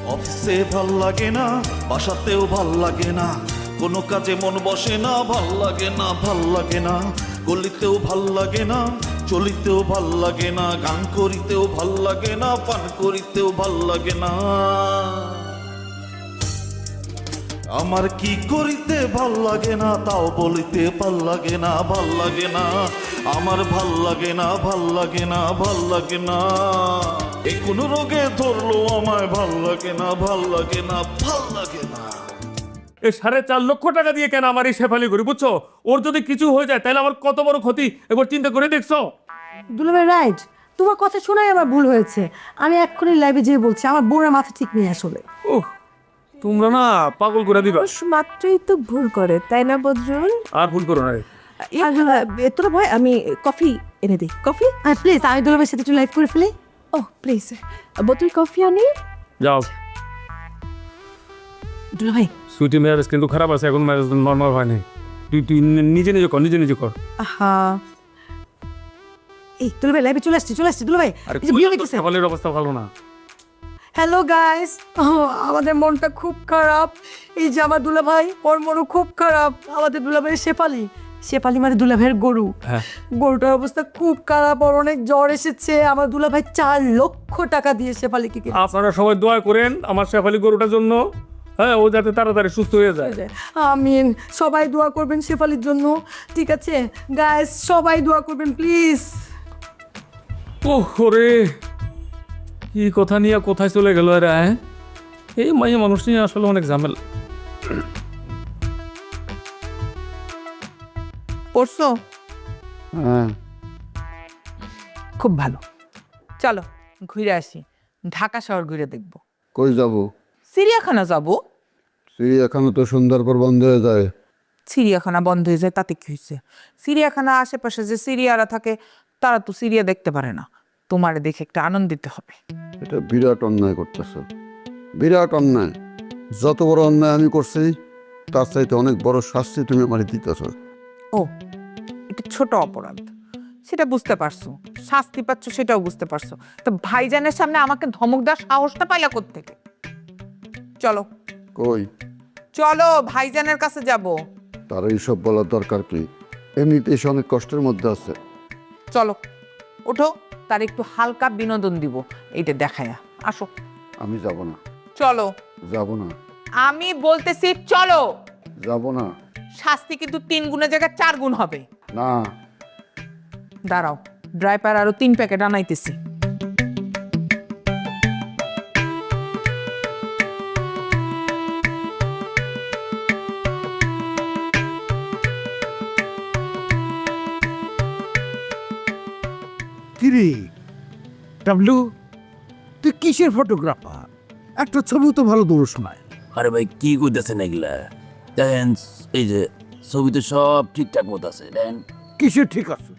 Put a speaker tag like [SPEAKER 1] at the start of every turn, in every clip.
[SPEAKER 1] অফিসে ভাল লাগে না, বাসাতেও ভাল লাগে না, কোনো কাজে মন বসে না, ভাল লাগে না, ভাল লাগে না, গলিতেও ভাল লাগে না, চলিতেও ভাল লাগে না, গান করিতেও ভাল লাগে না, পান করিতেও ভাল লাগে না। আমার কি করিতে ভাল লাগে না, তাও বলিতে ভাল লাগে না, ভাল লাগে না, আমার ভাল লাগে না, ভাল লাগে না, ভাল লাগে না। এ কোন রোগে ধরলো আমায়, ভাল লাগে না, ভাল লাগে না, ভাল লাগে না।
[SPEAKER 2] এই 4.5 লক্ষ টাকা দিয়ে কেন আমার এই শেফালি করি, বুঝছো? ওর যদি কিছু হয়ে যায় তাহলে আমার কত বড় ক্ষতি, একবার চিন্তা করে দেখছো?
[SPEAKER 3] দুলাভাই রাইট, তোমার কথা শোনাই আমার ভুল হয়েছে। আমি এক্ষুনি লাইভে যেয়ে বলছি, আমার বোনের মাথা ঠিক নেই আসলে।
[SPEAKER 2] ওহ, তোমরা না পাগল করে দিবা।
[SPEAKER 4] মাত্রই তো ভুল করে, তাই না বদরুল?
[SPEAKER 2] আর ভুল করো না রে।
[SPEAKER 4] তোরা ভয়, আমি কফি এনে দিই। কফি?
[SPEAKER 3] প্লিজ আমি দুলাভাইয়ের সাথে একটু লাইভ করে ফেলি।
[SPEAKER 4] ও প্লিজ, বোতল কফি আনি।
[SPEAKER 2] যাও।
[SPEAKER 3] দুলাভাই
[SPEAKER 2] সুইটি ম্যারেজ কিন্তু খারাপ আছে, এখন ম্যারেজ নর্মাল হয়নি। তুই নিজে নিজে কর, নিজে নিজে কর।
[SPEAKER 3] হ্যাঁ এই দুলাভাই লাইভে চলে আসছি দুলাভাই।
[SPEAKER 2] আরে
[SPEAKER 3] এই যে বিয়ে হইতেছে।
[SPEAKER 2] শেফালির অবস্থা ভালো না।
[SPEAKER 3] হ্যালো গাইস, আমাদের মনটা খুব খারাপ। এই যে আমার দুলাভাই, ওর মনও খুব খারাপ। আমাদের দুলাভাইয়ের শেফালি মানে দুলাভাইয়ের গরু।
[SPEAKER 2] হ্যাঁ।
[SPEAKER 3] গরুটার অবস্থা খুব খারাপ, ওর অনেক জ্বর এসেছে। আমার দুলাভাই 4 লক্ষ টাকা দিয়ে শেফালিকে কিনে।
[SPEAKER 2] আপনারা সবাই দোয়া করেন আমার শেফালি গরুটার জন্য, হ্যাঁ, ও যাতে তাড়াতাড়ি সুস্থ হয়ে যায়।
[SPEAKER 3] আমিন, সবাই দোয়া করবেন শেফালির জন্য, ঠিক আছে গাইস? সবাই দোয়া করবেন প্লিজ।
[SPEAKER 2] ওহ রে, কি কথা নিয়ে কোথায় চলে গেল এরা? হ্যাঁ, এই মাইয়া মানুষ নিয়ে আসলে অনেক ঝামেলা।
[SPEAKER 4] পড়ছো?
[SPEAKER 5] হ্যাঁ,
[SPEAKER 4] খুব ভালো, চলো ঘুরে আসি। ঢাকা শহর ঘুরে দেখবো।
[SPEAKER 5] কই যাব?
[SPEAKER 4] চিড়িয়াখানা যাব।
[SPEAKER 5] চিড়িয়াখানা তো সন্ধ্যার পর বন্ধ হয়ে যায়।
[SPEAKER 4] চিড়িয়াখানা বন্ধ হয়ে যায় তাতে কি হয়েছে? চিড়িয়াখানা আশেপাশে যে সিরিয়ারা থাকে তারা তো সিরিয়া দেখতে পারে না। তোমারে দেখে একটা আনন্দিত হবে।
[SPEAKER 5] এটা বিরাট অন্যায় করতেছ, বিরাট অন্যায়। যত বড় অন্যায় আমি করছি তার চাইতে অনেক বড় শাস্তি তুমি আমার দিতেছ।
[SPEAKER 4] ও, এটা ছোট অপরাধ, সেটা বুঝতে পারছো। শাস্তি পাচ্ছ সেটাও বুঝতে পারছো। তো ভাইজানের সামনে আমাকে ধমক দেওয়ার সাহসটা পাইলা কোত্থেকে? চলো
[SPEAKER 5] কই?
[SPEAKER 4] চলো, ভাইজানের কাছে যাব।
[SPEAKER 5] তার এইসব বলার দরকার কি? এমনিতেই সে অনেক কষ্টের মধ্যে আছে।
[SPEAKER 4] চলো ওঠো, তার একটু হালকা বিনোদন দিব, এইটা দেখায়া আসো।
[SPEAKER 5] আমি যাব না,
[SPEAKER 4] চলো।
[SPEAKER 5] যাব না,
[SPEAKER 4] আমি বলতেছি চলো।
[SPEAKER 5] যাব না।
[SPEAKER 4] শাস্তি কিন্তু 3 গুণের জায়গায় 4 গুণ হবে।
[SPEAKER 5] না,
[SPEAKER 4] দাঁড়াও, ড্রাইপার আরো 3 প্যাকেট আনাইতেছি।
[SPEAKER 6] কিরে ডাবলু, তুই কিসের ফটোগ্রাফার? একটা ছবি তো ভালো দৌড় শোনায়।
[SPEAKER 7] আরে ভাই কি কইতেছেন এগুলা? দেখেন এই যে ছবিতে সব ঠিকঠাক মতো আছে, দেখেন।
[SPEAKER 6] কিসের ঠিক আছে?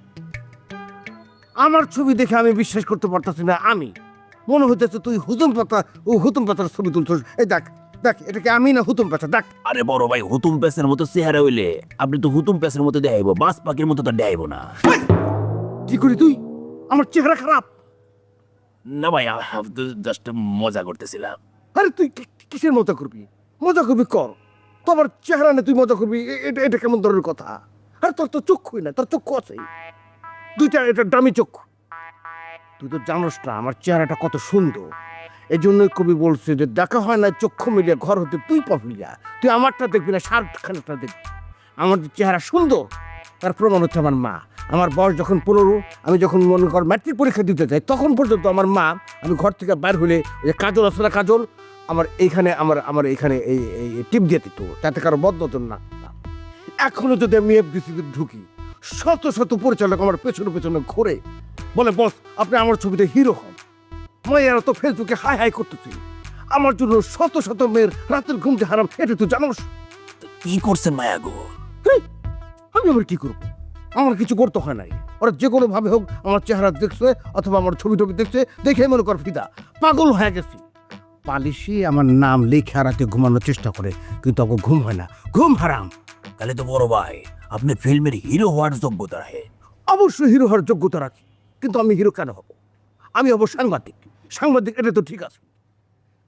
[SPEAKER 6] আমার ছবি দেখে আমি বিশ্বাস করতে পারতাছি না। আমি মনে হইতেছে তুই হুতুম পাতা ও হুতুম পাতার ছবি তুলছিস। এই দেখ দেখ, এটাকে আমি না হুতুম পাতা? দেখ।
[SPEAKER 7] আরে বড় ভাই, হুতুম প্যাসের মতো চেহারা হইলে আপনি তো হুতুম প্যাসের মতো দেখাইব, বাস পাখির মতো তো দেখাইব না।
[SPEAKER 6] কি করি তুই? আমার চেহারা খারাপ?
[SPEAKER 7] না ভাই, জাস্ট মজা করতেছিলাম।
[SPEAKER 6] আরে তুই কিসের মজা করবি? মজা করবি কর, তোমার চেহারা না তুই মজা করবি? এটা কেমন ধরনের কথা? আরে তোর তো চক্ষুই না, তোর চক্ষু আছে দুইটা, এটা দামি চক্ষু। তুই তো জানোস না আমার চেহারাটা কত সুন্দর। এই জন্যই কবি বলছে যে দেখা হয় না চক্ষু মিলিয়ে ঘর হতে তুই পাবলিয়া। তুই আমারটা দেখবি না, শাহরুখ দেখবি। আমার যে চেহারা সুন্দর তার প্রমাণ হচ্ছে আমার মা। আমার বয়স যখন 15, আমি যখন মনে কর ম্যাট্রিক পরীক্ষা দিতে যাই, তখন পর্যন্ত আমার মা, আমি ঘর থেকে বাইর হলে ওই যে কাজল আছে না, কাজল আমার এইখানে, আমার এইখানে এই টিপ দিয়ে দিত, তাতে কারো বদনজর না। এখনো যদি আমি এফডিসিতে ঢুকি, শত শত পরিচালক আমার পেছনে পেছনে ঘুরে বলে, বস আপনি আমার ছবিতে হিরো হন। মায়েরা তো ফেসবুকে হাই হাই করতেছি। আমার জন্য শত শত মেয়ের রাতের ঘুম যে হারাম, এটা তুই জানোস?
[SPEAKER 7] কি করছেন মায়া গো?
[SPEAKER 6] আমি আবার কি করবো? আমার কিছু করতে হয় নাই। ওরা যে কোনো ভাবে হোক আমার চেহারা দেখছে অথবা আমার ছবি টবি দেখছে, দেখে মনে কর ফিদা, পাগল হয়ে গেছি। পালিশি আমার নাম লেখা রাতে ঘুমানোর চেষ্টা করে, কিন্তু ওকে ঘুম হয় না, ঘুম হারাম।
[SPEAKER 7] তাহলে তো বড় ভাই আপনি ফিল্মের হিরো হওয়ার যোগ্যতা রাখে।
[SPEAKER 6] অবশ্যই হিরো হওয়ার যোগ্যতা রাখি, কিন্তু আমি হিরো কেন হব? আমি হব সাংবাদিক। সাংবাদিক, এটা তো ঠিক আছে।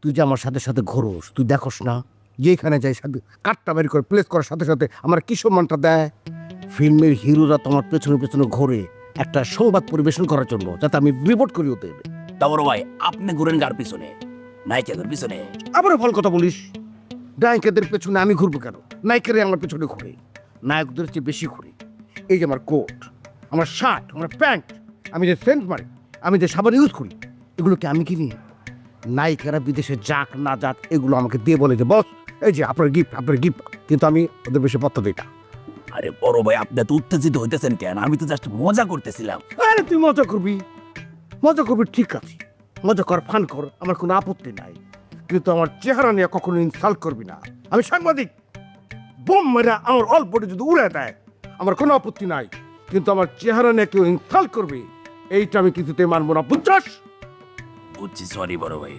[SPEAKER 6] তুই যে আমার সাথে সাথে ঘোরস, তুই দেখোস না যেখানে যাই সাথে কাঠটা বের করে প্লেস করার সাথে সাথে আমার কি সম্মানটা দেয়। ফিল্মের হিরোরা তোমার পেছনে পেছনে ঘোরে একটা সংবাদ পরিবেশন করার জন্য, যাতে আমি রিপোর্ট করি ওদের।
[SPEAKER 7] তা বড় ভাই আপনি ঘুরেন কার পিছনে? নায়িকাদের পিছনে?
[SPEAKER 6] আবারও ভালো কথা বলিস। নায়িকাদের পেছনে আমি ঘুরবো কেন? নায়িকারে আমার পেছনে ঘুরে, নায়কদের চেয়ে বেশি ঘুরে। এই যে আমার কোট, আমার শার্ট, আমার প্যান্ট, আমি যে সেন্ট মারি, আমি যে সাবান ইউজ করি, এগুলোকে আমি কিনি। নায়িকারা বিদেশে যাক না যাক এগুলো আমাকে দিয়ে বলে যে বস এই যে আপনার গিফট, আপনার গিফট, কিন্তু আমি ওদের বেশি পত্র দিই না।
[SPEAKER 7] আরে বড় ভাই আপনি তো উত্তেজিত হইতেছেন কেন? আমি তো জাস্ট মজা করতেছিলাম।
[SPEAKER 6] আরে তুই মজা করবি, মজা করবি, ঠিক আছে, মজা কর, ফান কর, আমার কোনো আপত্তি নাই, কিন্তু আমার চেহারা নিয়ে কখনো ইনসাল্ট করবি না। আমি সাংবাদিক, বোম মেরা আমার অল্প যদি উড়ে দেয় আমার কোনো আপত্তি নাই, কিন্তু আমার চেহারা নিয়ে কেউ ইনসাল্ট করবে এইটা আমি কিছুতে মানবো না, বুঝছস?
[SPEAKER 7] বুঝছি, সরি বড় ভাই।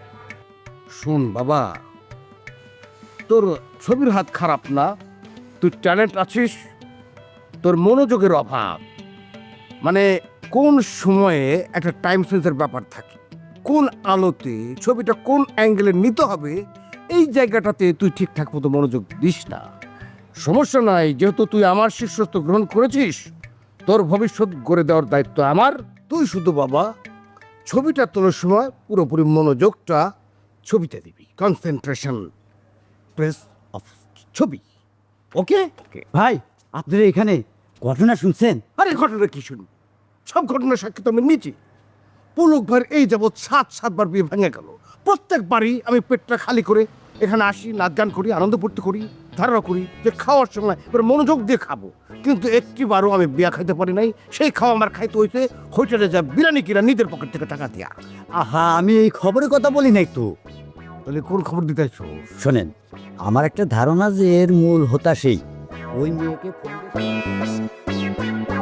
[SPEAKER 6] শোন বাবা, তোর ছবির হাত খারাপ না, তুই ট্যালেন্ট আছিস, তোর মনোযোগের অভাব। মানে কোন সময়ে একটা টাইম সেন্সের ব্যাপার থাকে, কোন আলোতে ছবিটা কোন অ্যাঙ্গেলে নিতে হবে, এই জায়গাটাতে তুই ঠিকঠাক মতো মনোযোগ দিস না। সমস্যা নাই, যেহেতু তুই আমার শিষ্যত্ব গ্রহণ করেছিস, তোর ভবিষ্যৎ গড়ে দেওয়ার দায়িত্ব আমার। তুই শুধু বাবা ছবিটা তোলার সময় পুরোপুরি মনোযোগটা ছবিতে দিবি, কনসেন্ট্রেশন প্রেস অফ ছবি। ওকে?
[SPEAKER 8] ভাই আপনারা এখানে ঘটনা শুনছেন?
[SPEAKER 6] আরে ঘটনা কি শুনি, সব ঘটনার সাক্ষী তো আমি নিয়েছি। পুলক ভাইয়ের এই যাবৎ 7-7বার বিয়ে ভেঙে গেল। প্রত্যেকবারই আমি পেটটা খালি করে এখানে আসি, নাচ গান করি, আনন্দ ফুর্তি করি, ধারণা করি যে খাওয়ার সময় এবার মনোযোগ দিয়ে খাবো, কিন্তু একটিবারও আমি বিয়া খাইতে পারি নাই। সেই খাওয়া আমার খাইতে হয়েছে হোটেলে যা বিরিয়ানি কিনা নিজের পকেট থেকে টাকা দিয়া।
[SPEAKER 8] আহা, আমি এই খবরের কথা বলি নাই তো।
[SPEAKER 6] তাহলে কোন খবর দিতে আসছো?
[SPEAKER 8] শোনেন, আমার একটা ধারণা যে এর মূল হোতা সেই ওই মেয়েকে ফোন দিয়ে-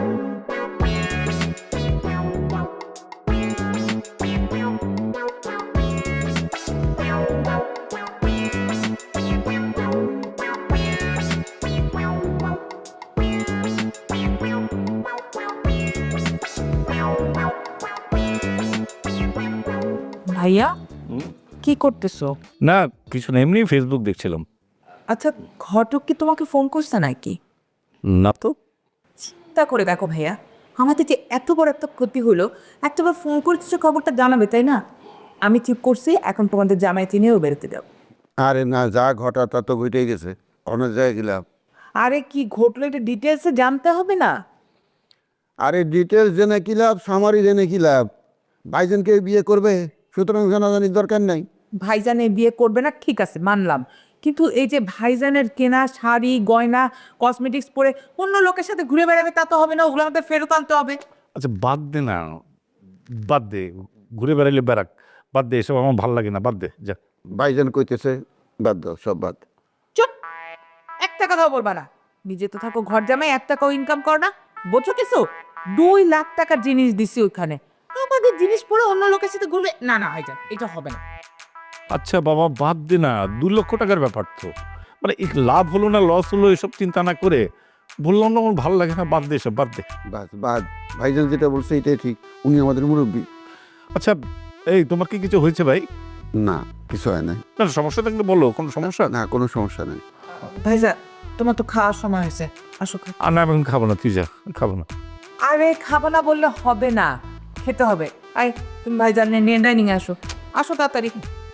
[SPEAKER 4] ভাইয়া কি করতেছো?
[SPEAKER 2] না কিছু না, এমনি ফেসবুক দেখছিলাম।
[SPEAKER 9] আচ্ছা, ঘটক কি তোমাকে ফোন করছে নাকি?
[SPEAKER 2] না তো।
[SPEAKER 9] চিন্তা করে দেখো ভাইয়া, আমাদের যে এত বড় একটা ক্ষতি হলো, একটাবার ফোন করছে খবরটা জানাবে, তাই না? আমি ঠিক করছি এখন তোমাদের জামাইতে নিয়েও বেরোতে দাও।
[SPEAKER 5] আরে না, যা ঘটা তা তো ঘটেই গেছে, অনেক জায়গায় গেলাম।
[SPEAKER 4] আরে কি ঘটলো এটা ডিটেলসে জানতে হবে না?
[SPEAKER 5] আরে ডিটেলস জেনে কি লাভ, সামারি জেনে কি লাভ? ভাইজানকে বিয়ে করবে, সুতরাং জানাজানির দরকার নাই।
[SPEAKER 4] ভাইজানে বিয়ে করবে না ঠিক আছে মানলাম, কিন্তু এই যে ভাইজানের কেনা শাড়ি গয়না কসমেটিক্স পরে অন্য লোকের সাথে ঘুরে বেড়াবে তা তো হবে না, ওগুলো আমাদের ফেরত আনতে হবে।
[SPEAKER 10] আচ্ছা বাদ দে না, বাদ দে, ঘুরে বেড়াইলে বেড়াক, বাদ দে, এসব আমার ভালো লাগে না, বাদ দে যা।
[SPEAKER 5] ভাইজান কইতেছে বাদ দাও, সব বাদ।
[SPEAKER 4] চুপ, একটা কথাও বলবা না। নিজে তো থাকো ঘর জামাই, 1 টাকাও ইনকাম কর না, বোঝো কিছু? 2 লাখ টাকার জিনিস দিছি ওইখানে, আমাদের জিনিস পরে অন্য লোকের সাথে ঘুরবে না? না ভাইজান এটা হবে না।
[SPEAKER 10] আচ্ছা বাবা বাদ দে না, 2 লক্ষ টাকার ব্যাপার তো, মানে এই লাভ হলো না লস হলো এসব চিন্তা না করে বললাম না আমার ভালো লাগে না, বাদ দে এসব, বাদ দে।
[SPEAKER 5] বাদ বাদ, ভাইজান যেটা বলছে এটাই ঠিক, উনি আমাদের মুরব্বী।
[SPEAKER 10] আচ্ছা এই তোমার কি কিছু হয়েছে ভাই?
[SPEAKER 5] না কিছু হয় না।
[SPEAKER 10] না সমস্যা থাকলে বলো, কোনো সমস্যা?
[SPEAKER 5] না কোনো সমস্যা নেই।
[SPEAKER 4] ভাইজান তোমার তো খাওয়ার সময় হয়েছে, আসো।
[SPEAKER 10] আর না আমি এখন খাবো না, তুই যা, খাবো না।
[SPEAKER 4] আরে খাবো না বললে হবে না, খেতে হবে। আই তুমি ভাইজান নিয়ে ডাইনিং আসো, আসো তাড়াতাড়ি।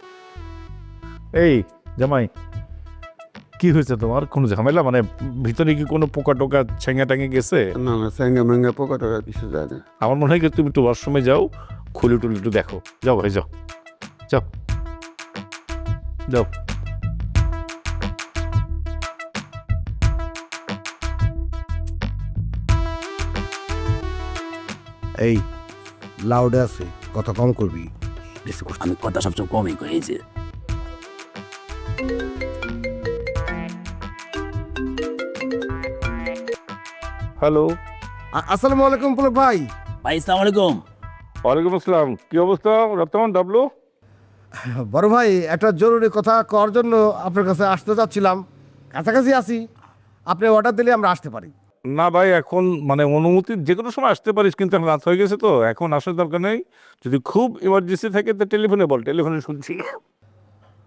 [SPEAKER 10] এই জামাই কি হয়েছে তোমার? কোনো ঝামেলা, মানে ভিতরে কি কোনো পোকা টোকা ছেঙ্গা টাঙে গেছে?
[SPEAKER 5] না না, স্যাঙ্গা ম্যাঙ্গা পোকা টোকা কিছু যায় না।
[SPEAKER 10] আমার মনে হয় কি তুমি একটু ওয়াশরুমে যাও, খুলে টুলে একটু দেখো, যাও ভাই যাও, যাও যাও।
[SPEAKER 6] এই লাউডে আছে, কথা কম করবি।
[SPEAKER 7] আমি কথা সবসময় কমই করি, এই যে
[SPEAKER 10] হ্যালো।
[SPEAKER 6] আসসালামু আলাইকুম পুলক ভাই।
[SPEAKER 7] ভাই আসসালামু আলাইকুম।
[SPEAKER 10] ওয়ালাইকুম আসসালাম, কি অবস্থা রপ্তামান ডাবলু?
[SPEAKER 6] বড় ভাই, একটা জরুরি কথা করার জন্য আপনার কাছে আসতে যাচ্ছিলাম, কাছাকাছি আছি, আপনি অর্ডার দিলে আমরা আসতে পারি।
[SPEAKER 10] না ভাই এখন মানে অনুমতি যে কোনো সময় আসতে পারিস, কিন্তু এখন রাত হয়ে গেছে তো এখন আসার দরকার নেই। যদি খুব ইমার্জেন্সি থাকে তো টেলিফোনে বল, টেলিফোনে শুনছি।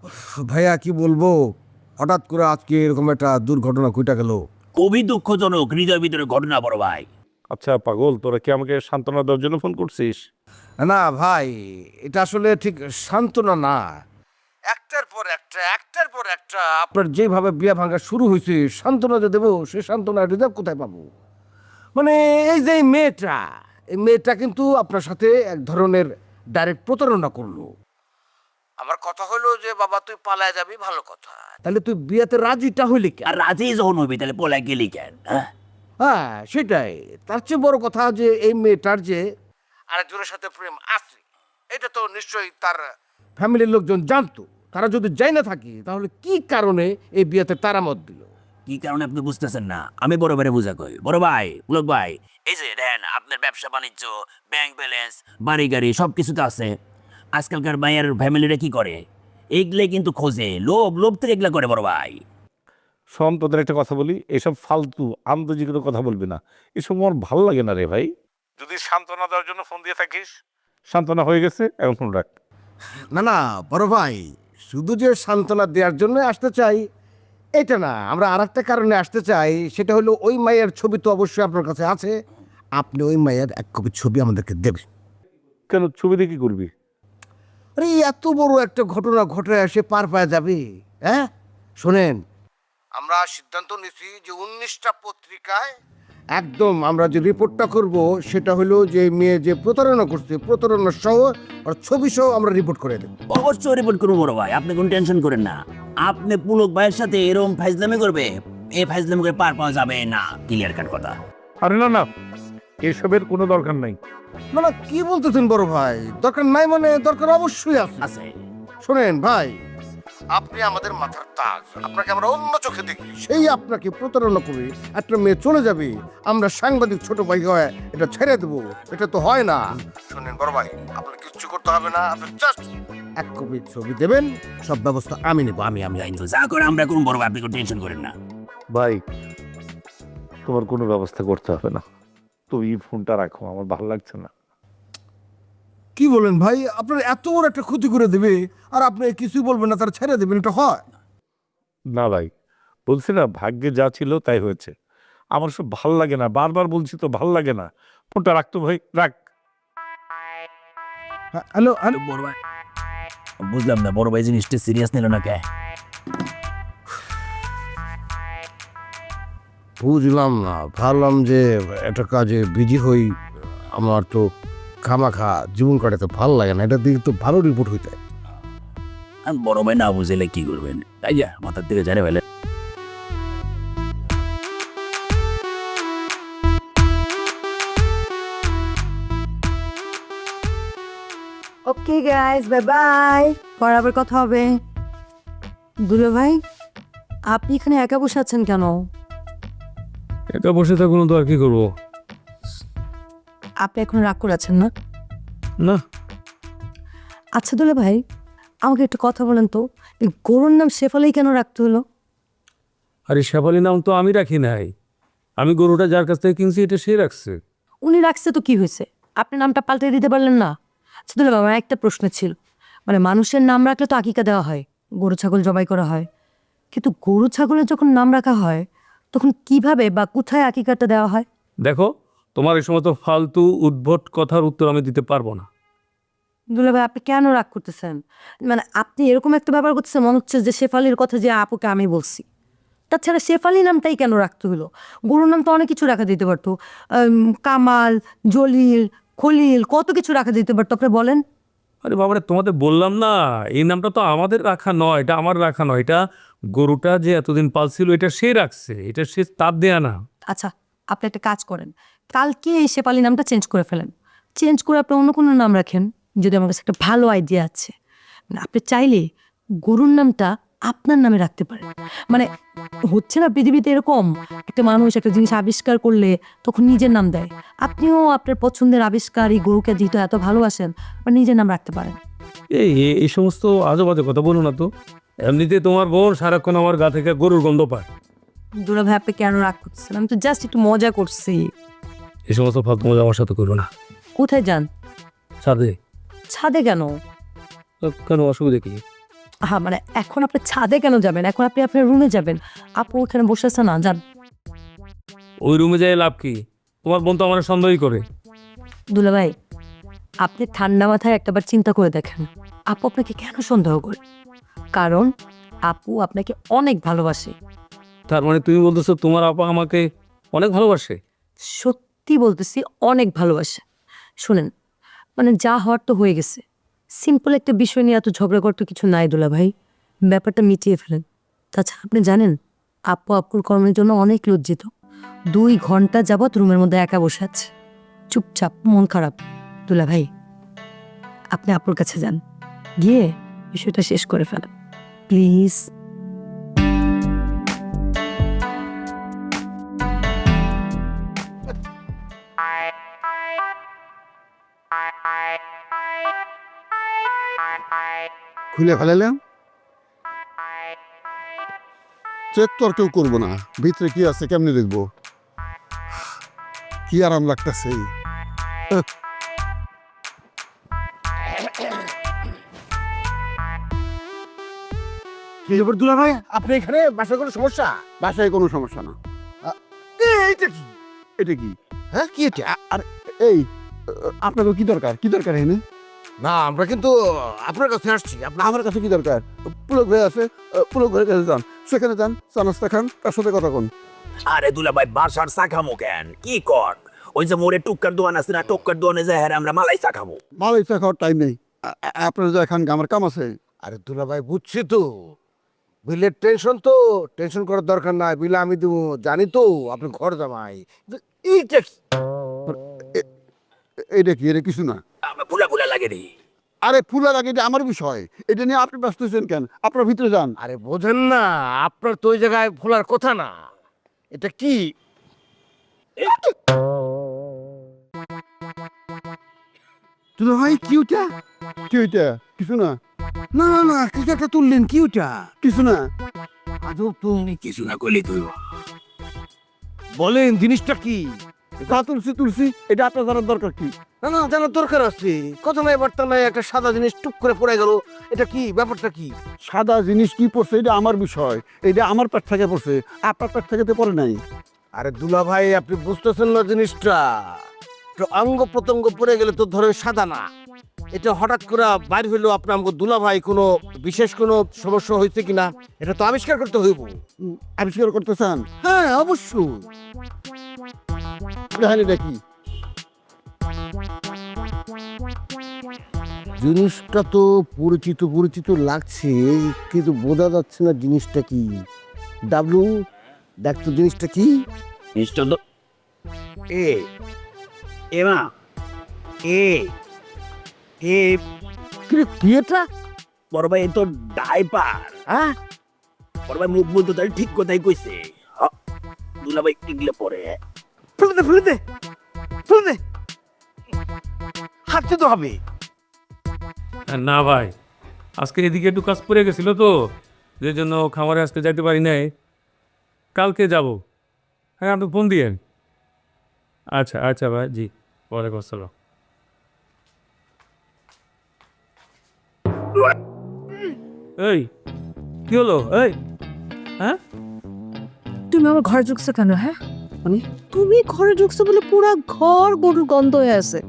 [SPEAKER 6] ভাইয়া কি বলবো, হঠাৎ করে আজকে এরকম একটা দুর্ঘটনা ঘটে গেল।
[SPEAKER 7] খুবই দুঃখজনক হৃদয় ভিতরে ঘটনা বড় ভাই।
[SPEAKER 10] আচ্ছা পাগল, তোরা কি আমাকে সান্ত্বনা দেওয়ার জন্য ফোন করছিস?
[SPEAKER 6] না ভাই, এটা আসলে ঠিক সান্ত্বনা না, একটার পর একটা আপনার যেভাবে বিয়া ভাঙা শুরু হয়েছে, সান্ত্বনা যে দেবো সে সান্ত্বনা রিজার্ভ কোথায় পাবো? মানে এই যে এই মেয়েটা কিন্তু আপনার সাথে এক ধরনের ডাইরেক্ট প্রতারণা করলো। আমার কথা হলো যে বাবা তুই পালায় যাবি, ভালো কথা, তাহলে তুই বিয়েতে রাজিটা হইলি কেন?
[SPEAKER 7] আর রাজি যখন হইবি তাহলে পলা গেলি কেন? হ্যাঁ,
[SPEAKER 6] হ্যাঁ সেটাই। তার চেয়ে বড় কথা যে এই মেয়েটার যে আরেকজনের সাথে প্রেম আছে, এটা তো নিশ্চয়ই তার ফ্যামিলির লোকজন জানতো। তারা যদি যাই না থাকি তাহলে কি কারণে এই বিয়েতে তারা মত দিল?
[SPEAKER 7] কি কারণে আপনি বুঝতেছেন না? আমি বড় ভাইরে বুঝা কই। বড় ভাই, পুলক ভাই, এই যে দেন আপনার ব্যবসা বাণিজ্য, ব্যাংক ব্যালেন্স, বাড়ি গাড়ি সব কিছুতে আছে। আজকালকার মায়ের ফ্যামিলিরা কি করে? এইগুলো কিন্তু খোঁজে, লোভ থেকে এগুলা করে বড় ভাই।
[SPEAKER 10] শোন, তোদের একটা কথা বলি, এসব ফালতু আন্তর্জাতিক কোনো কথা বলবি না, এসব আমার ভালো লাগে না রে ভাই। যদি সান্ত্বনা দেওয়ার জন্য ফোন দিয়ে থাকিস, সান্ত্বনা হয়ে গেছে, এখন ফোন রাখ।
[SPEAKER 6] না না বড় ভাই, শুধু যে সান্ত্বনা দেওয়ার জন্য আসতে চাই এটা না, আমরা আর একটা কারণে আসতে চাই। সেটা হলো ওই মায়ের ছবি তো অবশ্যই আপনার কাছে আছে, আপনি ওই মায়ের এক কপি ছবি আমাদেরকে দেবেন।
[SPEAKER 10] কেন, ছবি দিয়ে কি করবি?
[SPEAKER 6] আরে এত বড় একটা ঘটনা ঘটে সে পার পাওয়া যাবে? হ্যাঁ শোনেন, আমরা সিদ্ধান্ত নিয়েছি যে 19টা পত্রিকায় একদম আমরা যে রিপোর্টটা করব সেটা হলো যে মেয়ে যে প্রতারণা করছে, প্রতারণা সহ আর ছবি সহ আমরা রিপোর্ট করে দেব।
[SPEAKER 7] অবশ্যই রিপোর্ট করবো বড় ভাই, আপনি কোনো টেনশন করেন না। আপনি পুলক ভাইয়ের সাথে এরকম ফাইজলামি করবে, এই ফাইজলামি করে পার পাওয়া যাবে না, ক্লিয়ার কাট কথা।
[SPEAKER 10] আরে না না, এসবের কোনো দরকার নাই।
[SPEAKER 6] না না কি বলতেছেন বড় ভাই, দরকার নাই মানে দরকার অবশ্যই আছে।
[SPEAKER 7] আছে
[SPEAKER 6] শোনেন ভাই, আপনি আমাদের মাথার তাজ, আপনাকে আমরা অন্য চোখে দেখি, সেই আপনাকে প্রতারণা করে একটা মেয়ে চলে যাবে, আমরা সাংবাদিক ছোট ভাই হয়ে এটা ছেড়ে দেবো? এটা তো হয় না। শোনেন বড় ভাই, আপনার কিচ্ছু করতে হবে না, আপনি জাস্ট এক কপি ছবি দেবেন, সব ব্যবস্থা আমি নেবো। আমি
[SPEAKER 7] কিন্তু যা করে আমরা করুন বড় ভাই, আপনি কোনো টেনশন করেন না।
[SPEAKER 10] ভাই, তোমার কোনো ব্যবস্থা করতে হবে না, তুমি ফোনটা রাখো, আমার ভালো লাগছে না।
[SPEAKER 6] কি বলেন ভাই, আপনার এত বড় একটা ক্ষতি করে দেবে আর আপনি কিছুই বলবেন না, তার ছেড়ে দেবেন? এটা হয়
[SPEAKER 10] না ভাই, বলছি না ভাগ্যে যা ছিল তাই হয়েছে। আমার সব ভাল লাগে না, বারবার বলছি তো ভাল লাগে না। ফোনটা রাখতো ভাই, রাখ।
[SPEAKER 6] হ্যালো
[SPEAKER 7] বড় ভাই, বুঝলাম না বড় ভাই জিনিসটা সিরিয়াস নিল না কে?
[SPEAKER 6] বুঝলাম না, ভাবলাম যে একটা কাজে বিজি হই, আমার তো খামাখা জীবন কাটাতে ভালো লাগে না, এটা দিকে তো ভালো রিপোর্ট হইতে।
[SPEAKER 7] বড় ভাই না বুঝলে কি করবেন, তাই যা মাথার দিকে জানে ফেলে।
[SPEAKER 3] ওকে গাইস, বাই বাই, পরে আবার কথা হবে। দুলো ভাই, আপনি এখানে একা বসে আছেন কেন?
[SPEAKER 2] একা বসে থাকুন তো আর কি করবো?
[SPEAKER 3] আপনি এখন রাগ করে আছেন না?
[SPEAKER 2] না।
[SPEAKER 3] আচ্ছা দুলো ভাই, আমাকে একটু কথা বলেন তো, এই গরুর নাম শেফালি কেন রাখতে হলো?
[SPEAKER 2] আরে শেফালি নাম তো আমি রাখি নাই, আমি গরুটা যার কাছ থেকে কিনছি এটা সে রাখছে।
[SPEAKER 3] উনি রাখছে তো কি হয়েছে, আপনি নামটা পাল্টে দিতে পারলেন না? আচ্ছা দুলো ভাই, আমার একটা প্রশ্ন ছিল, মানে মানুষের নাম রাখলে তো আকিকা দেওয়া হয়, গরু ছাগল জবাই করা হয়, কিন্তু গরু ছাগলের যখন নাম রাখা হয় তখন কিভাবে বা কোথায় আকিকাটা দেওয়া হয়?
[SPEAKER 2] দেখো, তোমার এই সময় তো ফালতু উদ্ভট কথার উত্তর আমি দিতে পারবো না।
[SPEAKER 3] দুলা ভাই, আপনি কেন রাগ করতেছেন? মানে আপনি এরকম একটা ব্যাপার করতেছেন, মনে হচ্ছে যে শেফালির কথা যে আপুকে আমি বলছি। তাছাড়া শেফালি নামটাই কেন রাখতে হলো? গরুর নাম তো অনেক কিছু রাখা দিতে পারতো, কামাল, জলিল, খলিল, কত কিছু রাখা দিতে পারতো, আপনি বলেন।
[SPEAKER 2] আরে বাবারে, তোমাদের বললাম না, এই নামটা তো আমাদের রাখা নয়, এটা আমার রাখা নয়, এটা গরুটা যে এতদিন পালছিল এটা সে রাখছে, এটা সে তার দেয়া না।
[SPEAKER 3] আচ্ছা, আপনি একটা কাজ করেন, কালকে এই শেফালি নামটা চেঞ্জ করে ফেলেন, চেঞ্জ করে আপনি অন্য কোনো নাম রাখেন, যদি আমার কাছে একটা ভালো আইডিয়া আছে। মানে আপনি চাইলে গরুর নামটা আপনার নামে রাখতে পারেন। মানে হচ্ছে না পৃথিবীতে এরকম, একটা মানুষ একটা জিনিস আবিষ্কার করলে তখন নিজের নাম দেয়, আপনিও আপনার পছন্দের আবিষ্কার এই গরুকে যেহেতু এত ভালোবাসেন বা নিজের নাম রাখতে পারেন।
[SPEAKER 2] এই সমস্ত আজে বাজে কথা বলো না তো, এমনিতে তোমার বোন সারাক্ষণ আমার গা থেকে গরুর গন্ধ পায়।
[SPEAKER 3] দুলা ভাই, আপনি কেন রাগ করতেছেন? আমি তো জাস্ট একটু মজা করছি।
[SPEAKER 2] এই সমস্ত ফালতু মজা আমার সাথে করো না।
[SPEAKER 3] কোথায় যান?
[SPEAKER 2] ছাদে।
[SPEAKER 3] ছাদে কেন?
[SPEAKER 2] কেন, অসুবিধা কি?
[SPEAKER 3] হ্যাঁ মানে এখন আপনি ছাদে কেন যাবেন? এখন আপনি আপনার রুমে যাবেন। আপু ওখানে বসে আছে না, যান।
[SPEAKER 2] ওই রুমে যাই লাভ কি? তোমার বোন তো আমার সন্দেহই করে।
[SPEAKER 3] দুলাভাই, আপনি ঠান্ডা মাথায় একটাবার চিন্তা করে দেখেন, আপু আপনাকে কেন সন্দেহ করে? কারণ আপু আপনাকে অনেক ভালোবাসে।
[SPEAKER 2] তার মানে তুমি বলতেছো তোমার আপা আমাকে অনেক ভালোবাসে?
[SPEAKER 3] সত্যি বলতেছি, অনেক ভালোবাসে। শুনেন, মানে যা হওয়ার তো হয়ে গেছে। সিম্পল একটা বিষয় নিয়ে এত ঝগড়া করতে কিছু নাই দুলাভাই, ব্যাপারটা মিটিয়ে ফেলেন। তাছাড়া আপনি জানেন, আপু আপুর কর্মের জন্য অনেক লজ্জিত। 2 ঘন্টা যাবৎ রুমের মধ্যে একা বসে আছে, চুপচাপ, মন খারাপ। দুলাভাই, আপনি আপুর কাছে যান, গিয়ে বিষয়টা শেষ করে ফেলেন প্লিজ।
[SPEAKER 5] খুলে ফেলালাম, চেক তো আর কেউ করবো না, ভিতরে কি আছে কেমনি দেখবো? কি আরাম লাগতেছে।
[SPEAKER 6] কি ব্যাপার দুলা ভাই, আপনি এখানে বাসায় কোনো সমস্যা?
[SPEAKER 5] বাসায় কোনো সমস্যা না।
[SPEAKER 6] এইটা কি?
[SPEAKER 5] এটা কি?
[SPEAKER 6] হ্যাঁ কি এটা?
[SPEAKER 5] আর এই আপনাকে কি দরকার? কি দরকার এনে?
[SPEAKER 6] না আমরা কিন্তু আপনার কাছে আসছি।
[SPEAKER 5] আমার কাছে কি দরকার? পুলক ভাই আছে, পুলক ভাইয়ের কাছে যান, সেখানে যান, চা নাস্তা খান, তার সাথে কথা কোন।
[SPEAKER 7] আরে দুলা ভাই বাসার চা খামো কেন? কি কর? ওই যে মোড়ে টুক্কার দোকান আছে না, টুক্কার দোকানে যায় হ্যাঁ আমরা মালাই চা খাবো।
[SPEAKER 5] মালাই চা খাওয়ার টাইম নেই, আপনার যা খান, আমার কাম আছে।
[SPEAKER 6] আরে দুলা ভাই বুঝছি তো, বিলের টেনশন তো, টেনশন করার দরকার নাই, বিলে আমি দেবো, জানি তো আপনি ঘর জামাই। কিন্তু এইটা কি?
[SPEAKER 5] এটা কি? এটা কিছু না।
[SPEAKER 7] আমার ফুলা ফুলা লাগে রে।
[SPEAKER 5] আরে ফুলার আগে এটা আমার বিষয়, এটা নিয়ে আপনি ব্যস্ত হচ্ছেন কেন? আপনার ভিতরে যান।
[SPEAKER 6] আরে বোঝেন না, আপনার তো ওই জায়গায় ফোলার কথা না। এটা কি?
[SPEAKER 5] তুই ভাই কি ওটা? কি ওইটা? কিছু না।
[SPEAKER 6] না না না, কিছু একটা তুললেন, কি ওটা?
[SPEAKER 5] কিছু না।
[SPEAKER 6] আজব তো।
[SPEAKER 7] কিছু না করলি তুই।
[SPEAKER 6] বলেন জিনিসটা কি?
[SPEAKER 5] যা তুলছি তুলছি, এটা আপনার জানার দরকার কি?
[SPEAKER 6] না না, জানার দরকার আছে। কথা নাই বার্তা নাই, একটা সাদা জিনিস টুক করে পড়ে গেল। এটা কি? ব্যাপারটা কি?
[SPEAKER 5] সাদা জিনিস কি পড়ছে এটা আমার বিষয়, এটা আমার পেট থেকে পড়ছে, আপনার পেট থেকে তো পড়ে নাই।
[SPEAKER 6] আরে দুলা ভাই, আপনি বুঝতেছেন না জিনিসটা। তো অঙ্গ প্রত্যঙ্গ পড়ে গেলে তো ধরেন সাদা না, এটা হঠাৎ করে বাইর হইলো। আপনার আমাকে দুলা ভাই কোনো বিশেষ কোনো সমস্যা হয়েছে কিনা এটা তো আবিষ্কার করতে হইব।
[SPEAKER 5] আবিষ্কার করতে চান?
[SPEAKER 6] হ্যাঁ অবশ্যই।
[SPEAKER 5] দেখেন এটা কি?
[SPEAKER 6] জিনিসটা তো পরিচিত পরিচিত লাগছে, কিন্তু বোঝা যাচ্ছে না জিনিসটা কি। ডাবলু, দেখ তো জিনিসটা কি?
[SPEAKER 7] মিস্টার তো এ এমা এ এ
[SPEAKER 6] কি এটা?
[SPEAKER 7] বড় ভাই এ তো ডাইপার।
[SPEAKER 6] হ্যাঁ,
[SPEAKER 7] বড় ভাই মুখ বলতো তাই ঠিক কথাই কইছে। দুলা ভাই টিকলে পরে
[SPEAKER 6] ফেলে দে ফেলে দে ফেলে দে, হাঁটতে তো হবে।
[SPEAKER 2] না ভাই, আজকে এদিকে একটু কাজ পড়ে গেছিল তো, যে জন্য খামারে আজকে যাইতে পারি নাই। কালকে যাব। হ্যাঁ আপনি ফোন দিয়েন। আচ্ছা আচ্ছা ভাই, জি, ওয়ালাইকুম আসসালাম। এই কি হলো? এই হ্যাঁ,
[SPEAKER 3] তুমি আমার ঘরে ঢুকছো কেন? হ্যাঁ মানে তুমি ঘরে ঢুকছো বলে পুরো ঘর গরুর গন্ধ হয়ে আছে।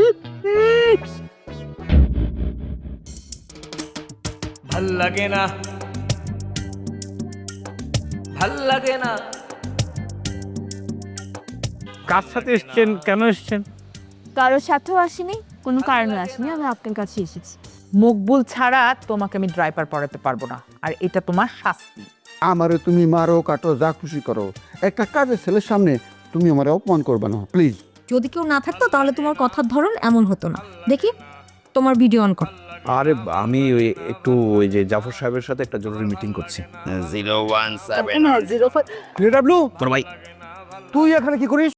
[SPEAKER 11] ভাল লাগে না, ভাল লাগে না।
[SPEAKER 2] কার সাথে এসছেন? কেন এসছেন?
[SPEAKER 9] কারোর সাথেও আসিনি, কোনো কারণে আসিনি, আমি আপনার কাছে এসেছি। মকবুল ছাড়া তোমাকে আমি ড্রাইভার পড়াতে পারবো না, আর এটা তোমার শাস্তি।
[SPEAKER 5] আমারে তুমি মারো কাটো যা খুশি করো, একটা কাজের ছেলের সামনে তুমি আমারে অপমান করবে না প্লিজ।
[SPEAKER 3] যদি কেউ না থাকতো তাহলে তোমার কথার ধরন এমন হতো না। দেখি তোমার ভিডিও অন কর।
[SPEAKER 11] আরে আমি ওই একটু ওই যে জাফর সাহেবের সাথে একটা জরুরি মিটিং করছি।
[SPEAKER 7] 017
[SPEAKER 6] ডাবলু,
[SPEAKER 7] বড় ভাই
[SPEAKER 6] তুই এখানে কি করিস?